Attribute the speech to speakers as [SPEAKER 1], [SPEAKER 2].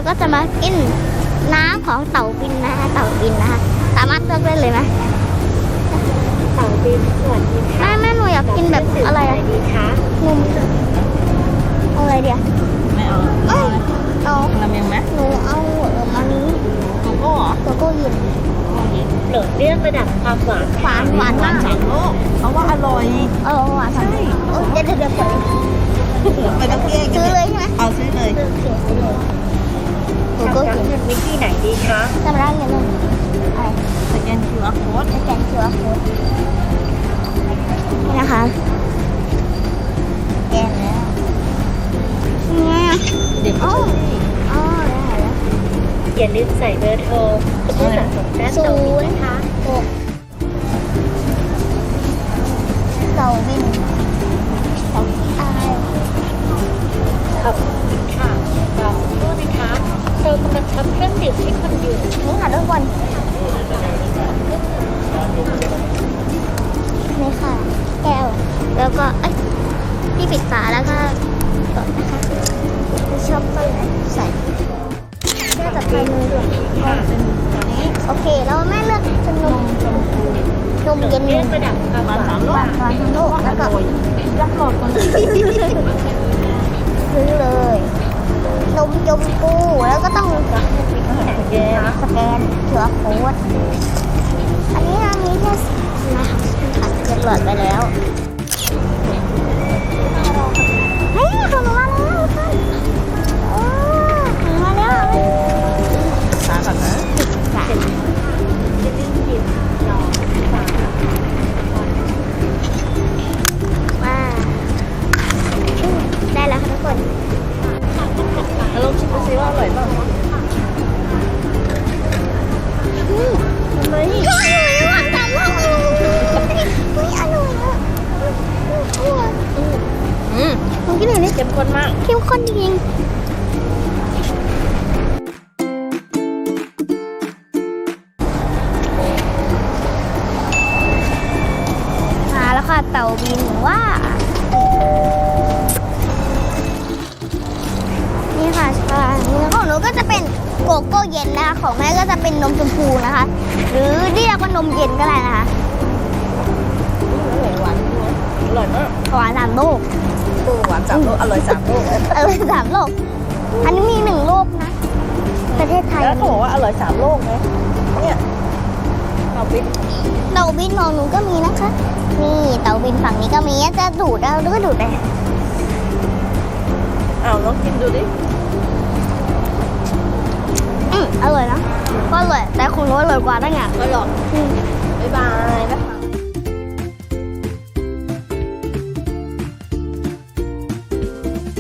[SPEAKER 1] ก็จะมากินน้ำของเต่าบินนะคะเต่าบินนะคะสามารถเลือกได้เลยไหม
[SPEAKER 2] เต่าบินสวัสดีค่ะ
[SPEAKER 1] แม่หนูอยากกินแบบอะไรอะ
[SPEAKER 2] ดีคะ
[SPEAKER 1] นมเอาอะไรเดียว
[SPEAKER 3] ไม่เอา
[SPEAKER 1] เอ้ยเอา
[SPEAKER 3] ราเมงไหม
[SPEAKER 1] หนูเอาอันนี้
[SPEAKER 3] โกโก้เหรอ
[SPEAKER 1] โกโก้เย็น
[SPEAKER 2] โปรดเลือกระดับความหวาน
[SPEAKER 1] หวานหวานมาก
[SPEAKER 3] สามโลกเพราะว่าอร่อย
[SPEAKER 1] หวานใช่เดี๋ยวเปิด
[SPEAKER 3] ไปต้องเกี้ย
[SPEAKER 1] ซื้อเลยใช่ไหม
[SPEAKER 3] เอาซื้อเลย
[SPEAKER 1] โกโก้
[SPEAKER 2] รับ
[SPEAKER 1] เย็น
[SPEAKER 2] เงินวิธีไหนดีคะ
[SPEAKER 1] จำได้เงินเลยอะไร
[SPEAKER 3] สแกน QR code
[SPEAKER 1] สแกน QR code นี่นะคะสแกนแล้วนี่ไงอ่ะ
[SPEAKER 3] เด็ก
[SPEAKER 1] อ๋อ
[SPEAKER 3] ก็ใช้
[SPEAKER 1] ได้แล้ว
[SPEAKER 2] อย่าลืมใส่เบอร์โทรเพื่อสะสมแต้มเต่าบินนะคะ
[SPEAKER 1] 6เต่าบินเต่าที่อาย
[SPEAKER 2] ขอบคุณค่ะรอสักครู่นะคะเรากำลังทำเครื่องดื่มให้คนอยู่
[SPEAKER 1] นี่ค่ะทุกคนนี่ค่ะ แก้ว แล้วก็เอ้ยที่ปิดฝาแล้วก็กดนะคะชอบก็ใส่แก้วต่อไปเลยโอเคแล้วแม่เลือกเป็นนมเย็น
[SPEAKER 2] เลือกระดับความหวาน
[SPEAKER 3] 3 โล
[SPEAKER 1] หวานทั้งโลกแล้วก็
[SPEAKER 3] รักหลอดก่อน
[SPEAKER 1] ซื้อเลยนมยมปูแล้วก็ต้อง
[SPEAKER 2] เยอะ
[SPEAKER 1] สแกนเQR code อันนี้นะมีแค่นะคะเจ็ดหลอดไปแล้วเฮ้ยของหนูมาแล้วค่ะของหนูมาแล้ว
[SPEAKER 3] สาก่อนนะ
[SPEAKER 1] จ้ะ
[SPEAKER 2] จะดิ้นดิบรอฝา
[SPEAKER 1] ว้าได้แล้วค่ะทุกคน
[SPEAKER 3] แล้วลองชิมดูซิว่าอร่อยเปล่า
[SPEAKER 1] ทำไมอร่อยหวานจังเลยเฮ้ยอร่อยอ่ะอร่อยลองกินหน่อยดิ
[SPEAKER 3] เข้มข้นมาก
[SPEAKER 1] เข้มข้นจริงมาแล้วค่ะเต่าบินว่า นี่ค่ะชาของหนูก็จะเป็นโกโก้เย็นนะคะของแม่ก็จะเป็นนมชมพูนะคะ หรือเรียกว่านมเย็นก็ได้นะคะ
[SPEAKER 3] หวานอร่อยมาก
[SPEAKER 1] หวาน3 โลก
[SPEAKER 3] หวาน3 โลกอร่อย3 โลก
[SPEAKER 1] 3 โลก อันนี้มี1 โลกนะ ประเทศไทย
[SPEAKER 3] แล้วเขาบอกว่าอร่อย3 โลกนะเนี่ยเอาปิ๊บ
[SPEAKER 1] เต่าบินของหนูก็มีนะคะ นี่เต่าบินฝั่งนี้ก็มีจะดูดเอาหรือก็ดูดไป
[SPEAKER 3] เอาลองกินดูดิ
[SPEAKER 1] อร่อยนะก็อร่อยแต่ของหนูอร่อยกว่าตั้งไง
[SPEAKER 3] อร่อยบ๊ายบายนะคะ